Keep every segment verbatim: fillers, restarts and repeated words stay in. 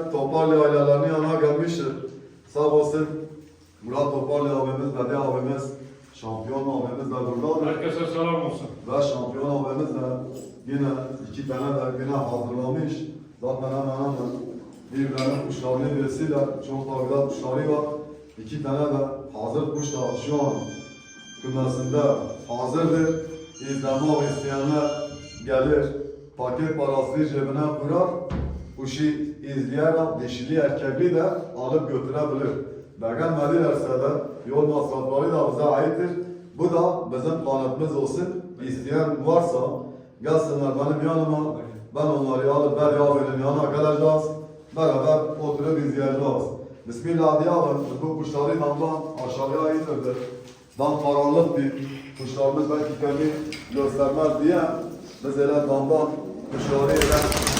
Toparlı ailelerinin yanına gelmiştir. Sağ olsun Murat Toparlı abimiz, Bedi abimiz, şampiyon abimiz de buradadır. Herkese selam olsun. Ve şampiyon abimiz de yine iki tane de yine hazırlamış. Zaten hemen hemen birbirlerinin kuşlarını birisiyle çok da güzel kuşları var. İki tane de hazır kuş da şu an kümesinde hazırdır. İzlemek isteyenler gelir, paket parasını cebine koyar, kuşu izleyerek dişili erkekli de alıp götürebilir. Beğenmedilerse de yol masrafları da bize aittir. Bu da bizim kanıtımız olsun. İsteyen varsa gelsinler benim yanıma. Ben onları alıp Bedi abinin yanına geleceğiz. Beraber oturup izleyeceğiz. Bismillah diyelim. Bu kuşları damdan aşağıya indirdik. Dam karanlık bir kuşlarımız belki kendi göstermez diye biz hele damdan kuşları ile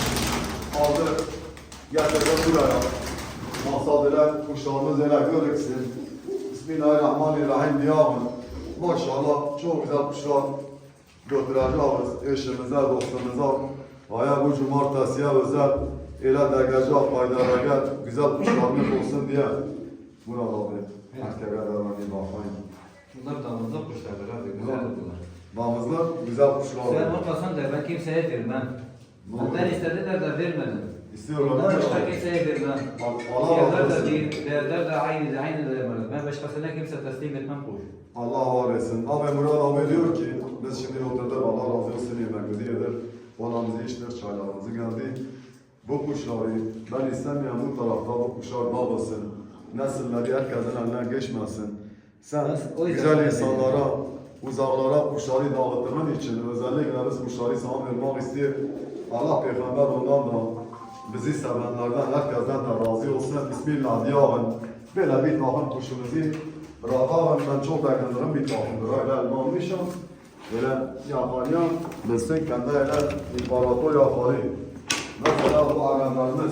aldık. Getirdik buraya. Maksat ile kuşlarımız ile görüksün. Bismillahirrahmanirrahim diyelim. Maşallah çok güzel kuşlar götüreceğiz eşimize, dostumuza. Aya bu cumartesiye özel ele dergecek, faydalar güzel kuşlarımız olsun diye. Murat abi, erkek adamına bir bakmayın. Bunlar damızlık kuşlardır abi, güzel bunlar. Damızlar güzel kuşlar. Sen olmasan da ben kimseye vermem. Benden istediler de vermedim. İstiyorlar. Bundan başka kimseye vermem. Allah Fiyatlar razı da olsun. değil, değerler de aynı, aynı değerler. Ben başkasına kimse teslim etmem kuş. Allah var etsin. Abi Murat abi diyor ki, biz şimdi oturduk, Allah razı olsun yemeğimizi yedir. Balamızı içtik, çaylarımızı geldi. Bu kuşları ben istemeyen bu tarafta bu kuşlar babasın. Nesilleri herkesin eline geçmesin. Sen O yüzden güzel ben insanlara, uzaklara kuşları dağıttığın için özellikle biz kuşları sana vermek istiyor. Allah peygamber ondan da bizi sevenlerden, herkesten de razı olsun. Bismillah diyelim. Böyle bir takım kuşumuzu bırakalım. Ben çok beğendiğim bir takımdır. Öyle almışım. Böyle yakalayan, bilsin kendi öyle imparator yaparı. Mesela bu Araplarımız.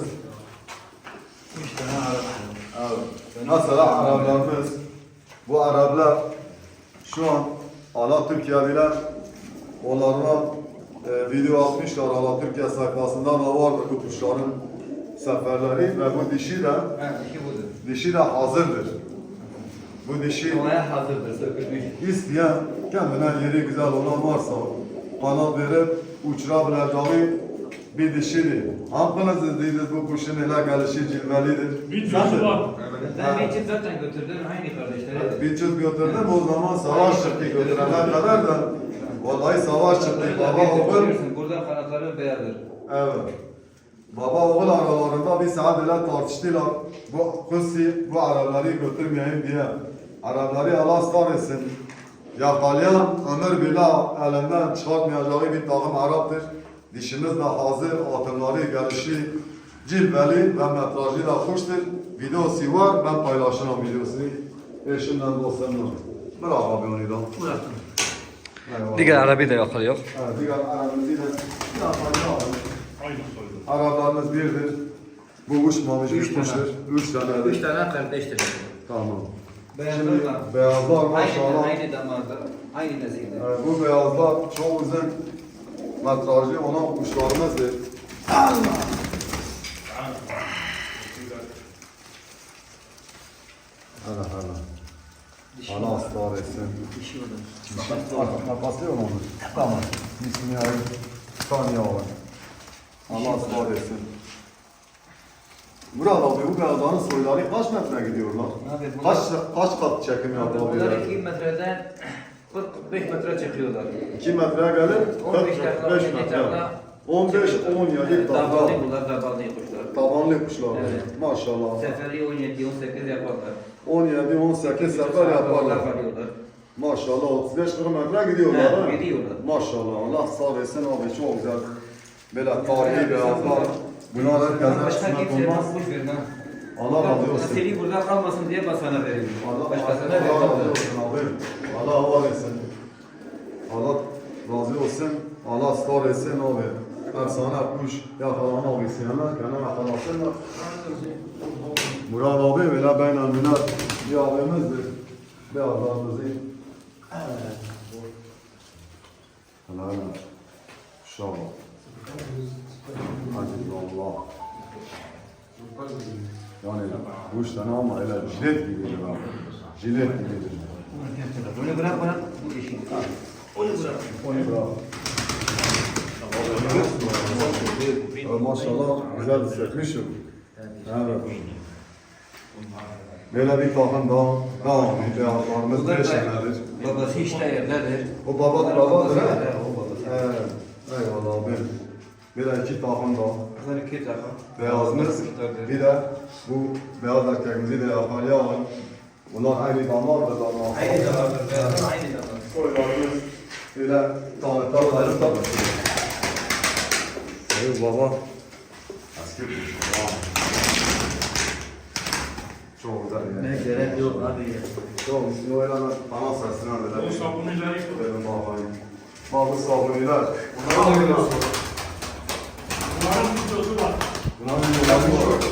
Üç tane Arap. Evet. Mesela Araplarımız, bu Araplar şu an Allah Türkiye'liler onlarına e, video atmışlar. Allah Türkiye sayfasında da vardır bu kuşların seferleri ve bu dişi de Evet, iki budur. dişi de hazırdır. Bu dişi Olaya hazırdır, sökülmüş. isteyen kendine yeri güzel olan varsa kanat verip uçurabileceği bir dişidir. Hanginiz izlediniz bu kuşun ele gelişi cilvelidir? Videosu var. Ben bir çift zaten götürdüm, aynı kardeşleri. Bir çift götürdüm o zaman savaş çıktı götürene kadar da vallahi savaş çıktı. Baba oğul, Burada kanatları beyazdır. evet. Baba oğul aralarında bir saat ile tartıştılar. Bu kızı bu Arapları götürmeyeyim diye. Arapları Allah ısrar etsin. Yakalayan ömür billah elinden çıkartmayacağı bir takım Arap'tır. Dişimiz de hazır, atımları gelişi, cilveli ve metrajı da hoştur. Videosu var, ben paylaşırım videosunu. Eşimden dostumla. Bravo abi onu da. Eyvallah. Diğer Arabi de yakalıyor. Evet, diğer Arap'ımızı da yapacağım. Aynı soydu. Araplarımız birdir. Bu uçmamış Üç bir tane. kuştur. Üç tanedir. Üç tane kardeştir. Tamam. Beyazlar da. Beyazlar Aynı, maşallah. aynı damarda, aynı nesilde. Ee, bu beyazlar çok uzun metrajlı olan kuşlarımızdır. Allah! Hala hala. Allah ısrar etsin. Dişi olur. Kapatıyor mu onu? Tamam. Bismillahirrahmanirrahim. Saniye var. Allah ısrar etsin. Murat abi bu beyazların soyları kaç metre gidiyorlar? Abi bunlar- Kaç kaç kat çekim Bunlar yapabilirler? iki metreden kırk beş metre çekiyorlar. iki metreye gelir, on kırk beş dakika, beş on yedi metre. dakika. on beş on yedi Davarlı dakika. bunlar, davarlı kuşlar. Tabanlı kuşlar. Evet. Maşallah. Seferi on yedi on sekiz yaparlar. on yedi on sekiz sefer yaparlar. Kalıyorlar. Maşallah otuz beş kırk metre gidiyorlar. Evet, ha? gidiyorlar. Maşallah Allah sağ etsin abi çok güzel. Böyle tarihi beyazlar. Bunlar Ben herkesin başka kısmet kimseye olmaz. kuş vermem. Allah razı olsun. Seri burada kalmasın diye ben sana veriyorum. Allah, Başkasına Allah razı vermem. olsun abi. Allah var etsin. Allah razı olsun. Allah sağ etsin abi. Ben sana kuş yakalamak isteyenler kendine yakalasınlar. Murat abi böyle beynel minel bir abimizdir. Bir abimizdir. Evet. Helal. İnşallah. Hadi Allah. Yani bu üç tane ama öyle jilet gibidir abi. Jilet gibidir. Bunu bırak bana bu işi. Onu bırak. Onu bırak. Ee, Maşallah güzel sökmüşüm. Evet. Böyle bir takım daha devam ediyor. Beyazlarımız Bunlar beş da senedir. babası işte yerlerdir. O baba babadır ha? Evet, o babası. Evet. Eyvallah abi. Böyle iki takım daha. Bunlar iki takım. Beyazımız, bir de bu beyaz erkeğimizi de yakalaya var. Bunlar aynı damardır damar. Aynı damardır. Beyazlar aynı damar. Koylarımız böyle tanıtlarları da. Ey baba. Eski bir şey. Çok güzel yani. Ne gerek yok abi. Çok üstüne öyle ana sesine böyle. O sabunileri Benim bakayım. Bazı sabuniler. Bunlar da biliyorsun. Bunların videosu var. Bunların videoları var.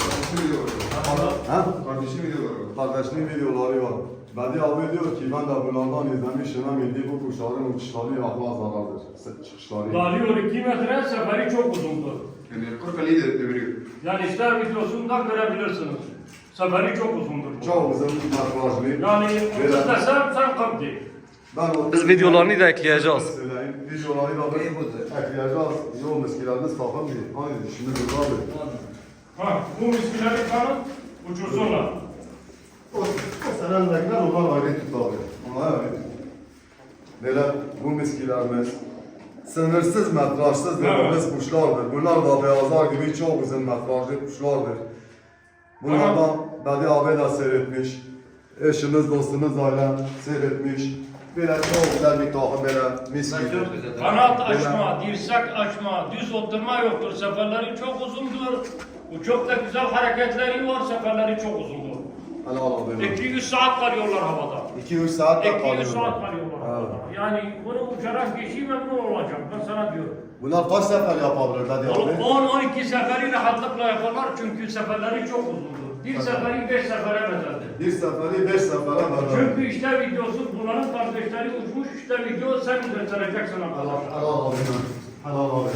Ha? Kardeşim videoları var. Kardeşinin videoları var. Bedi abi diyor ki ben de bunlardan izlemişim. Hem milli bu kuşların uçuşları akla zarardır. Çıkışları. Dalıyor iki metre, seferi çok uzundur. Yani kırk Ali de deviriyor. Yani ister videosunda görebilirsiniz. Seferi çok uzundur. Çok uzun metrajlı. Yani otuz desem sen kırk değil. Ben o Biz videolarını da ekleyeceğiz. Söyleyeyim. Videoları da İyi budur. ekleyeceğiz. Yol meskileriniz takım değil. Aynı işimiz yok abi. Ha, bu miskileri kanın uçursunlar. O, o senendekiler onlar ayrı tut abi. Onlar ayrı tut. Böyle bu miskilerimiz sınırsız metrajsız dediğimiz kuşlardır. Bunlar da beyazlar gibi çok uzun metrajlı kuşlardır. Bunlardan Bedi abi de seyretmiş. Eşimiz, dostumuz aile seyretmiş. Böyle çok güzel bir takım böyle mis Bunlar gibi. çok güzel. Kanat açma, dirsek açma, düz oturma yoktur. Seferleri çok uzundur. Bu çok da güzel hareketleri var. Seferleri çok uzundur. Helal abi. iki yüz saat kalıyorlar havada. iki üç saat de iki yüz saat kalıyorlar. kalıyorlar Evet. havada. Yani bunu uçarak kişi memnun olacak. Ben sana diyorum. Bunlar kaç sefer yapabilir Bedi abi? on on iki seferi rahatlıkla yaparlar çünkü seferleri çok uzundur. Bir seferi beş sefere bedeldir. Bir seferi beş sefere bedel. Çünkü işte videosu bunların kardeşleri uçmuş, işte video sen göstereceksin Helal arkadaşlar. helal abi. Helal abi.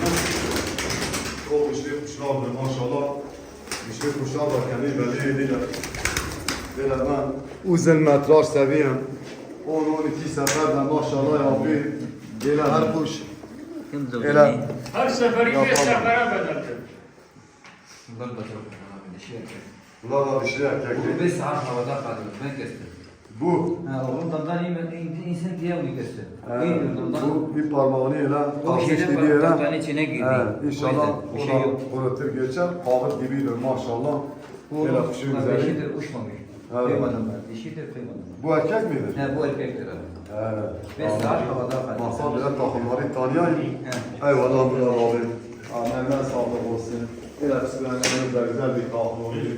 Çok güçlü kuşlardır maşallah. Güçlü kuşlar da kendi belli edilir. Böyle ben uzun metraj seviyorum. on on iki seferden maşallah yapıyor. Böyle her kuş. Öyle. Her seferi Yapalım. beş sefere bedeldir. Bunlar da çok güzel abi. Dişi erkek. Bunlar da dişli Bu erkekli. beş saat havada kalıyor. Ben kestim. Bu. Ha, oğlum damdan iyi insan diye mi kestim? e, İyi damdan. bu bir parmağını ele O kalkmış şeyden gibi ele. parmakların içine girdi. Evet, inşallah O yüzden bir o şey da yok. kurutur geçer. Kağıt gibidir maşallah. Bu Böyle kuşun güzeli. dişidir, uçmamış. Evet. Kıymadım ben. Dişidir, kıymadım ben. Bu erkek midir? He, bu erkektir abi. Evet. Beş saat havada kalıyor. Masal bile takımları tanıyayım. Eyvallah Murat abi. Ameline sağlık olsun. Böyle psikolojimiz de güzel bir takım oluyor.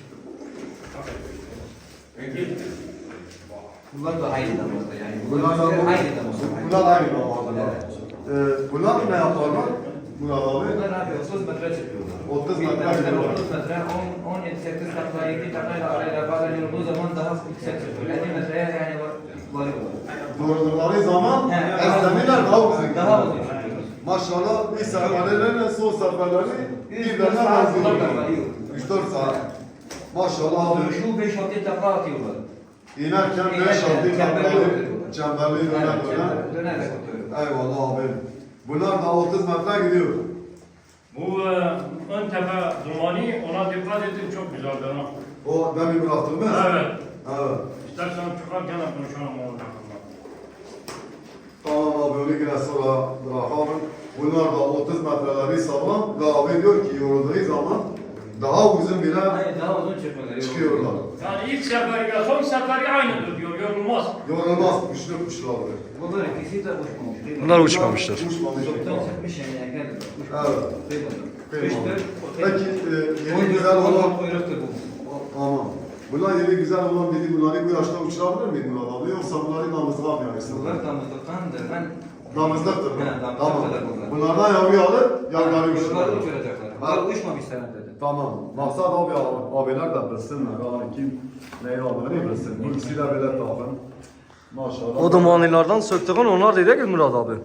Bunlar da aynı damızda yani. Bunlar da aynı damızda. Bunlar aynı damızda. Ee, bunlar ne yaparlar? Murat abi. Bunlar abi otuz metre çıkıyorlar. otuz Bir metre metre, gidiyorlar. otuz metre, on, on yedi, sekiz takla, iki taklayla arayla bazen olduğu zaman daha yüksek çıkıyor. elli metreye yani var, varıyorlar. Doğrulukları zaman He, esnemiler daha uzun. Daha uzun çıkıyorlar. Maşallah bir seferlerine son seferleri birbirine benziyor. üç dört saat. Maşallah abi. Şu beş altı takla atıyorlar. İnerken beş İnerken altı çemberli takları oluyor. çemberli döner Evet, döner. çember- dönerek atıyor. Eyvallah abi. Bunlar da otuz metre gidiyor. Bu e, ön tepe dumanı ona dikkat edin çok güzeldir. Ha. O demin bıraktığımız. Evet. Evet. İstersen çıkarken de konuşalım onun hakkında. Tamam abi onu yine sonra bırakalım. Bunlar da otuz metreleri sağlam. Ve abi diyor ki yorulduğu zaman daha uzun bile Hayır, daha uzun çıkıyorlar. çıkıyorlar. Yani ilk seferiyle son seferi aynıdır diyor, yorulmaz. Yorulmaz kuşlu kuşlardır. Bunlar ikisi de uçmamış. değil mi? Bunlar uçmamışlar. Uçmamış. Çoktan çıkmış yani erken. Evet. Kıymadım. Kıymadım. Kıştır. Peki e, yeni güzel olan Kuyruktur bu. Tamam. Bunlar yeni güzel olan dedi bunları bu yaşta uçurabilir miyim Murat abi? Yoksa bunları damızlığa mı yaysın? Bunlar damızlıktandır. Ben Damızlıktır mı? He, damızlık Tamam. kadar bunlar. Bunlardan yavru alır, yavruları Kuyrukları uçurur. uçuracaklar. Bunlar uçmamış sana dedim. Tamam. Maksat abi abiler de bilsinler. Yani kim neyi aldığını bilsin. Bu ikisi de böyle takın. Maşallah. O dumanilerden söktüğün onlar dedi ki Murat abi.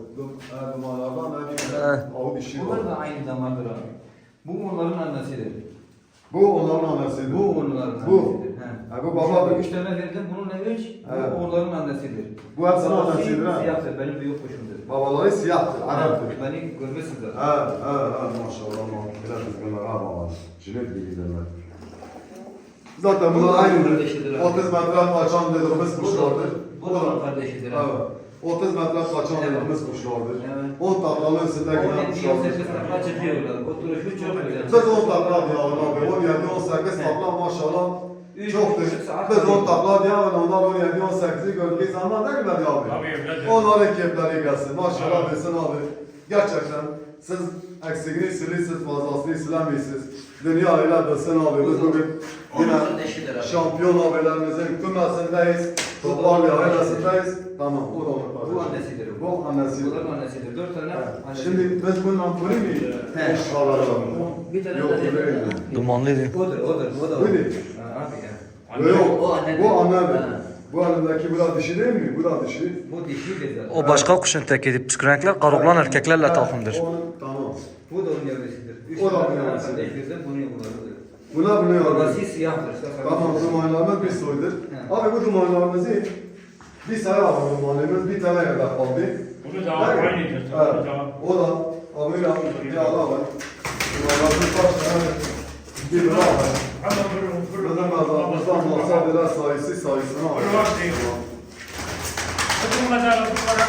Dumanlardan da bir He. avu dişi var. Bunlar da aynı damardır abi. Bu onların annesidir. Bu onların annesidir. Bu onların Bu. annesidir. He. Ha, bu baba. Üç tane verdim, bununla üç, Evet. bu onların annesidir. Bu hepsinin Babası annesidir, ha? Siyahtır, benim büyük kuşumdur. Babaları siyahtır, Arap'tır. Beni görmüşsünüz zaten. Ha, ha, ha, maşallah, maşallah. Kızgınlar, ha baba. Jilet gibi giderler. Zaten bunlar aynıdır. otuz metre kaçan dediğimiz kuşlardır. Bu da onun kardeşidir. ha. Evet. otuz metre kaçan Evet. dediğimiz kuşlardır. Evet. on taklanın üstünde on giden yedi kuşlardır. on sekiz takla çıkıyorlar. Oturuşu çok güzel. Biz on takla diye abi. on yedi on sekiz takla maşallah. Üç Çoktur. buçuk saat Biz on kalıyor. takla diye abi. Onlar on yedi on sekizi gördüğü zaman ne kadar ya abi? Tabii öyledir. Onların keyifleri gelsin. Maşallah desin abi. Gerçekten siz eksikliğini silirsiniz, fazlasını silemiyorsunuz. Dünya öyle desin abi. Biz bugün yine Onların eşidir abi. şampiyon abilerimizin kümesindeyiz. Toparlı ailesindeyiz. Tamam, o da onun Bu kardeşi. annesidir. Bu annesidir. Bunların annesidir. Dört tane Evet. annesi. Şimdi biz bunun ampulü mü? He. Alalım. Bir tane Yok, de bu değil. Dumanlıydı. Odur, odur, o da Bu odur. değil. Ha, abi ya. Yok, O anne bu değil. annedir. Ha. Bu annemdeki bu da dişi değil mi? Bu da dişi. Bu dişidir zaten. O başka kuşun tekidir. Püskürenkler karoklan erkeklerle takımdır. O- Tamam. Bu da onun yavrusudur. Üç O da tane onun yavrusudur. kardeşlerden bunu bunlarıdır. Buna bunu Babası yapıyoruz. siyahtır. Tamam, dumanlarımız bir soydur. He. Abi bu dumanlarımızı bir sayı abi dumanlarımız bir tane kadar kaldı. Bunu da Evet. aynıdır. Evet. Bunu da. O da amıyla bir ala var. Dumanlarımız kaç tane? Bir lira var. Hemen vurun, vurun. Bizim mezarımızdan olsa biraz sayısı sayısını Vurun alıyor. bak değil. Bakın mezarı bunlara.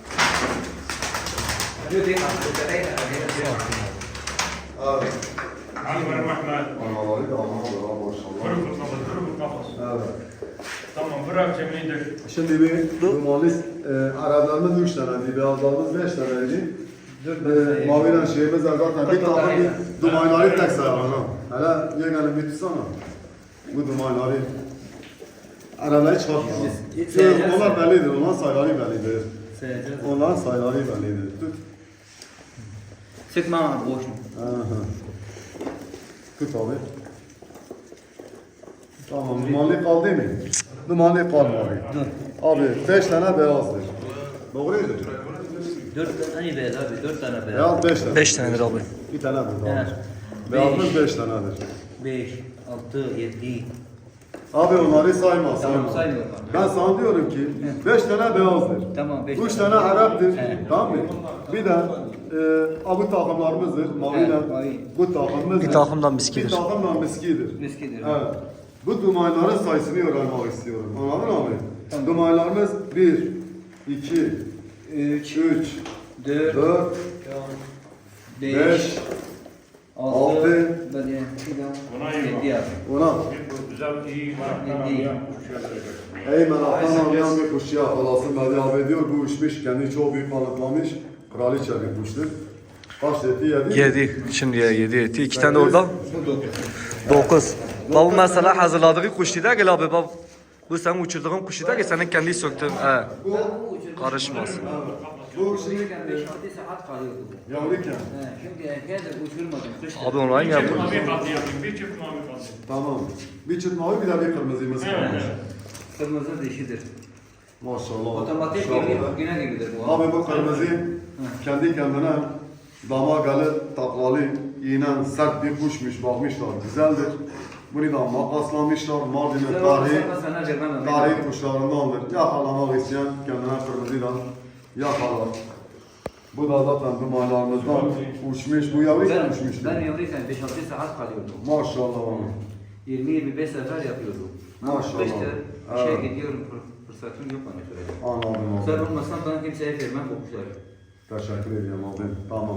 Diyor değil mi? Evet. Hadi vurun Mehmet. Anaları da anaları var maşallah. Vurun bu kafası, vurun bu kafası. Evet. Tamam, bırak cemlidir. Şimdi bir dumanlı e, Araplarımız üç taneydi, beyazlarımız beş taneydi. E, maviyle şeyimiz var zaten bir takım bir dumanları tek sayalım. Hele yeğenim bir tutsana. Bu dumanları Arabayı çıkartma. Şöyle, onlar bellidir, onların sayıları bellidir. Onların sayıları bellidir. Tut. Sıkma ama boş mu? Aha. Tut abi. Tamam, dumanlı kaldı mı? Dumanlı kalmadı. Abi beş tane beyazdır. Doğruydu. Dört tane beyaz abi, dört tane beyaz. Beyaz beş tane. beş tanedir abi. Bir tanedir. Evet. Abi. Beyazımız beş tanedir. Beş, altı, yedi. Abi onları sayma, sayma. Tamam, saymıyorum abi. Ben sana diyorum ki beş tane beyazdır. Tamam, beş Üç tane. tane Arap'tır. Evet. Tamam mı? Bir de e, bu takımlarımızdır. Maviyle. Evet, mavi. Bu takımımızdır. Bir takımdan Bir miskidir. takımdan miskidir. Miskidir. Evet. Bu dumanların sayısını öğrenmek istiyorum. Anladın abi? Dumanlarımız bir, iki, Üç, üç, dört, dört, beş, beş, altı, altı, böyle, Buna iyi bak. yedi abi. ona. Bir güzel, iyi, meraktan İyi. arayan kuş verecek. Ey meraktan anlayan bir kuş ya falasın Bedi abi diyor bu uçmuş kendi çok büyük balıklamış. Kraliçe bir kuştur. Kaç eti yedi? Yedi. Şimdiye yedi eti. İki tane de orada. Bu dokuz. Dokuz. Baba mesela hazırladığı kuş değil ki abi bab. Bu senin uçurduğun kuş değil ki senin kendi söktüğün. He. Bu, Karışmaz. bu şimdi Uçururken beş altı saat kalıyordu bu. yavruyken. He, şimdi erkeğe de uçurmadım. Kışta. Abi onu aynı Bir çift yapıyor. mavi kaldı yapayım, bir çift mavi kaldı. Tamam. Bir çıt mavi bir de bir kırmızımız Evet, kalmış. evet. Kırmızı dişidir. Maşallah. Otomatik Maşallah. gibi güne gibidir bu. Abi bu kırmızı kendi kendine damagalı, taklalı, iğnen, sert bir kuşmuş, bakmışlar, güzeldir. Bunu da makaslamışlar, Mardin'in Güzel tarihi, olmasa sana vermem. tarihi kuşlarındandır. Yakalamak isteyen kendine kırmızıyla yakalar. Bu da zaten dumanlarımızdan uçmuş, bu yavru Ben, uçmuştu. ben yavruyken beş altı saat kalıyordum. Maşallah abi. yirmi yirmi beş sefer yapıyordum. Ama Maşallah. kışta Evet. işe gidiyorum, fır- fırsatım yok bana şöyle. Anladım Sen abi. olmasan ben kimseye vermem bu kuşları. Teşekkür ediyorum abi. Tamam.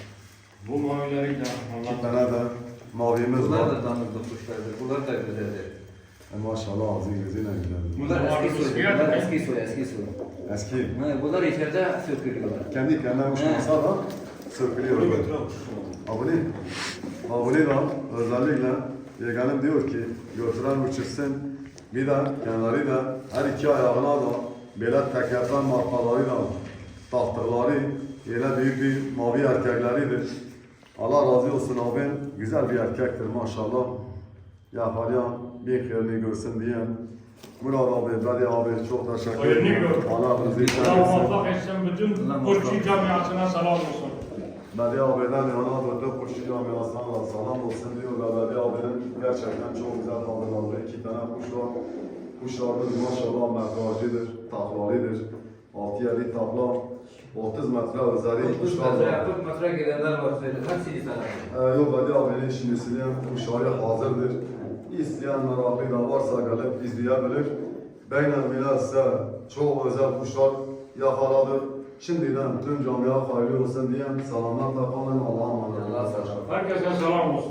Bu mavileri de İki anlattım. tane de mavimiz Bunlar var. da damızlık kuşlardır, bunlar da güzeldir. E maşallah ağzı gözüyle güzel. Bunlar Bunlar eski soy, eskiye bunlar de- eski soy, eski soy. Eski. Ha, bunlar içeride sökülüyorlar. Kendi kendine uçmasa da sökülüyor. Abone. Abone da özellikle yeğenim diyor ki götüren uçursun. Bir de kenarı da her iki ayağına da böyle tekerden markaları da tahtaları yine büyük bir mavi erkekleridir. Allah razı olsun abi. Güzel bir erkektir maşallah. Yaparyan bir hayırını görsün diyen. Murat abi, Bedi abi çok teşekkür Hayırını ederim. gör. Allah razı Allah olsun. muvaffak etsin bütün Allah Burçi muvaffak. camiasına selam olsun. Bedi abiden yana dörtte kuşçu camiasına da selam olsun diyorlar. Bedi abinin gerçekten çok güzel hazırlandığı iki tane kuş var. Kuşlarımız maşallah metrajıdır, taklalıdır. altı yedi takla, otuz metre üzeri otuz kuşlar metre, var. kırk metre gidenler var söyle. Hepsini sana. Ee, yok Bedi abinin şimdi isteyen kuşları hazırdır. İsteyen meraklı da varsa gelip izleyebilir. Beyler bile size çok özel kuşlar yakaladık. Şimdiden tüm camiye hayırlı olsun diyen selamlarla kalın. Allah'a emanet olun. Allah'a emanet olun. Herkese selam olsun.